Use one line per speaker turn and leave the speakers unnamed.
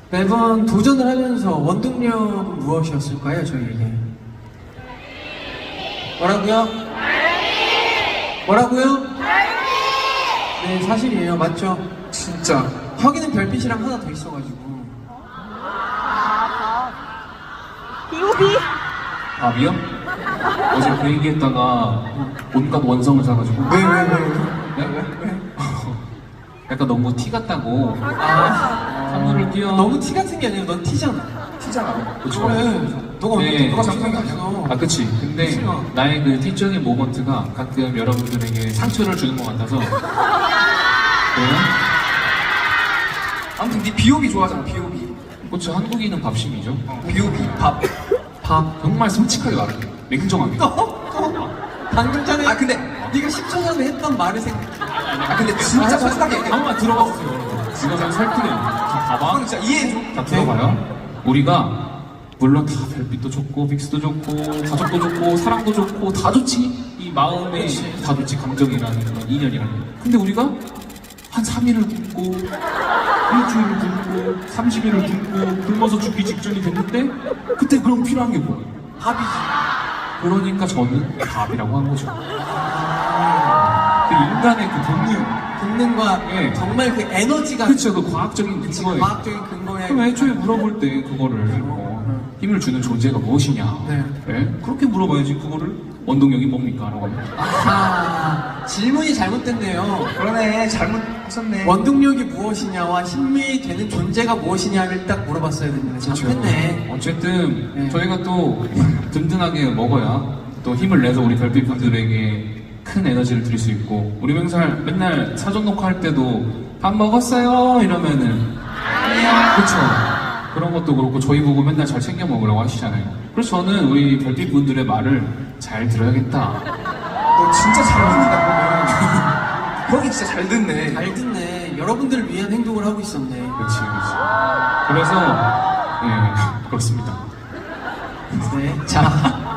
매번 도전을 하면서 원동력은 무엇이었을까요, 저희에게? 뭐라고요? 뭐라고요? 네, 사실이에요. 맞죠?
진짜.
혁이는 별빛이랑 하나 더 있어가지고.
밥이요? 어제 그 얘기했다가 온갖 원성을 사가지고
왜?
네? 약간 너무 티 같다고
아,
선물을 끼워.
너무 티 같은 게 아니라 넌 티잖아.
티잖아.
그쵸?
그래. 너가
네.
언제 너가 장난이 아니야.
아 그치. 근데
그치요.
나의 그 티적인 모먼트가 가끔 여러분들에게 상처를 주는 것 같아서 그래요?
아무튼 네 비오비 좋아하잖아, 비오비.
그쵸. 한국인은 밥심이죠.
비오비, 밥.
정말 솔직하게 말할게. 냉정하게.
방금 전에
아, 근데.
네가 10초 전에 했던 말을 생각해.
아, 근데 진짜 솔직하게 얘기해.
한번만 들어봐 주세요, 여러분. 지금 설득해요. 자, 봐봐.
형 진짜 이해해줘.
자, 들어봐요. 우리가 물론 다 별빛도 좋고 빅스도 좋고 가족도 좋고 사랑도 좋고 다 좋지. 이 마음에 다 좋지. 감정이라는 건 인연이라는 거. 근데 우리가 한 3일을 굶고 일주일을 굶고 30일을 굶고 굶어서 죽기 직전이 됐는데 그때 그럼 필요한 게 뭐예요?
밥이지.
그러니까 저는 밥이라고 한 거죠. 그 인간의 그
본능과
네.
정말 그 에너지가
그렇죠. 그 과학적인
그치,
근거에
과학적인 근거에
그럼 애초에 물어볼 때 그거를 힘을 주는 존재가 무엇이냐?
네.
네? 그렇게 물어봐야지 그거를 원동력이 뭡니까? 라고 하면
아, 질문이 잘못됐네요.
그러네, 잘못하셨네.
원동력이 무엇이냐와 힘이 되는 존재가 무엇이냐를 딱 물어봤어야 됐는데 잘못했네.
어쨌든
네.
저희가 또 든든하게 먹어야 또 힘을 내서 우리 별빛 분들에게 큰 에너지를 드릴 수 있고 우리 맨날 사전 녹화할 때도 밥 먹었어요? 이러면은 그쵸. 그런 것도 그렇고 저희 보고 맨날 잘 챙겨 먹으라고 하시잖아요. 그래서 저는 우리 별빛 분들의 말을 잘 들어야겠다.
너 진짜 잘 듣는다, 그러면. 형이 진짜 잘 듣네.
잘 듣네. 여러분들을 위한 행동을 하고 있었네.
그치. 그래서 예 그렇습니다.
네. 자.